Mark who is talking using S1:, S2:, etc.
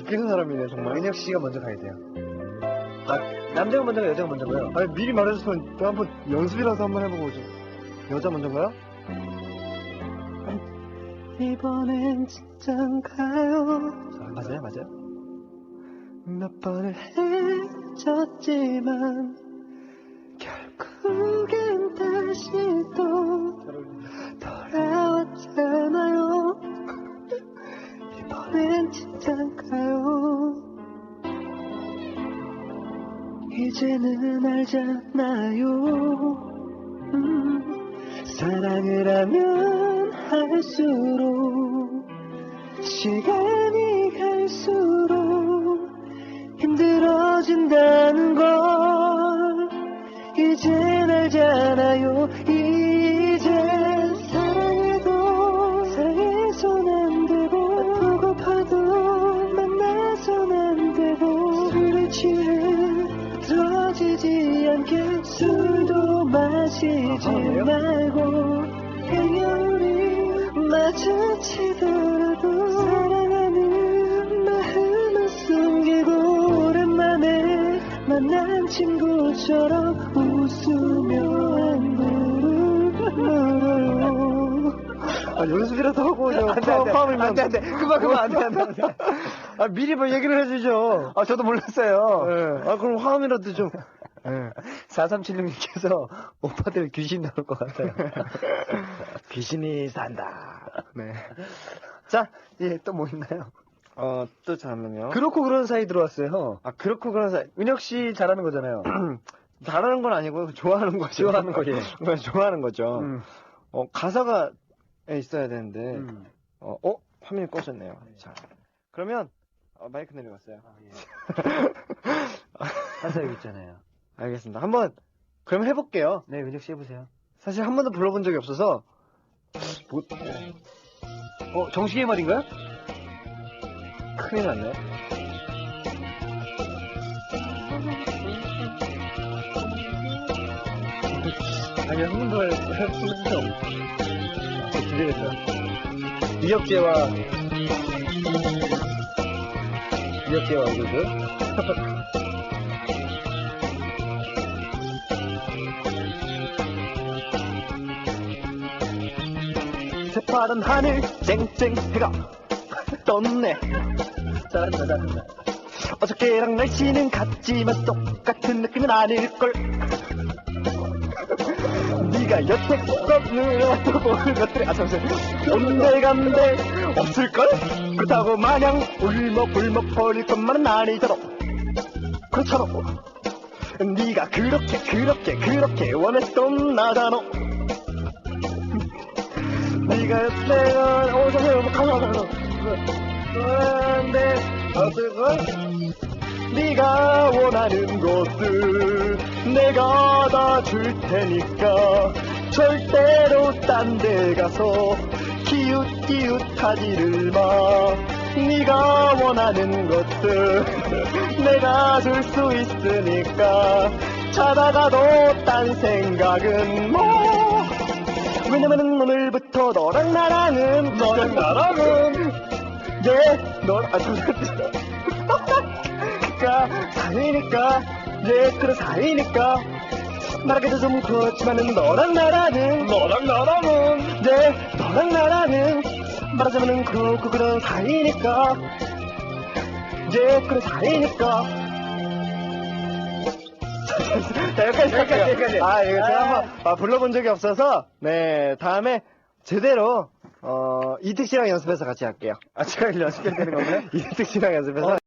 S1: 웃기는 사람이네, 정말.
S2: 은혁 씨가 먼저 가야 돼요. 아, 남자가 먼저가 여자가 먼저가요?
S1: 아니, 미리 말해줬으면 또 한번 연습이라도 한번 해보고 오죠. 여자 먼저인가요? 이번엔 진짠가요?
S2: 맞아요, 맞아요.
S1: 몇 번을 헤쳤지만 결국엔 다시 또 돌아왔잖아요. 이번엔 진짠가요? 이제는 알잖아요. 사랑을 하면 할수록 시간이 갈수록 힘들어진다는 걸 이젠 알잖아요. 이제 사랑해도 사랑해선 안 되고 아프고 파도 만나선 안 되고 술에 취해 들어지지 않게 술도 마시지 말고 그냥 우리 마주치더라도 사랑하는 마음은 숨기고 오랜만에 만난 친구처럼 웃으며 안부를 아, 연습이라도 하고 오죠.
S2: 안 돼. 그만, 안 돼.
S1: 아, 미리 뭐 얘기를 해주죠.
S2: 아, 저도 몰랐어요.
S1: 네. 아, 그럼 화음이라도 좀.
S2: 네. 4376님께서 오빠들 귀신 나올 것 같아요. 귀신이 산다.
S1: 네.
S2: 자, 예, 또 뭐 있나요?
S1: 또 잠깐만요.
S2: 그렇고 그런 사이 들어왔어요.
S1: 아, 그렇고 그런 사이.
S2: 은혁 씨 잘하는 거잖아요.
S1: 잘하는 건 아니고, 좋아하는 거죠.
S2: 좋아하는 거, 예.
S1: 그냥 좋아하는 거죠. 가사가 있어야 되는데, 화면이 꺼졌네요. 자, 그러면, 마이크 내려갔어요.
S2: 가사 여기 있잖아요.
S1: 알겠습니다. 한번, 그럼 해볼게요.
S2: 네, 은혁 씨 해보세요.
S1: 사실 한 번도 불러본 적이 없어서,
S2: 정식의 말인가요?
S1: 큰일 났네.
S2: 아니, 한 번도 해본 적 없어. 기대됐어요. 이혁재와 얼굴들.
S1: 새파란 하늘 쨍쨍 해가 떴네.
S2: 잘한다.
S1: 어저께랑 날씨는 같지만 똑같은 느낌은 아닐걸. 네가 여태껏 누려왔던 것들이 잠시만 온데간데 없을걸? 그렇다고 마냥 울먹불먹 버릴 것만은 아니도록 그렇잖아. 네가 그렇게 원했던 나잖아. 네가 내가 어디서 가서 그런데 어떨걸? 네가 원하는 것들 내가 다 줄 테니까 절대로 딴 데 가서 기웃기웃하지를 마. 네가 원하는 것들 내가 줄 수 있으니까 찾아가도 딴 생각은 뭐. 왜냐면은 오늘부터 너랑 나랑은 사이니까 그래 사이니까 말하기도 좀 그렇지만은 너랑 나랑은 말하자면은 그렇고 그런 사이니까 그래 사이니까. 자, 여기까지. 이거 제가 한번 불러본 적이 없어서, 네, 다음에 제대로, 이특 씨랑 연습해서 같이 할게요.
S2: 제가 연습해야 되는 건가요?
S1: 이특 씨랑 연습해서.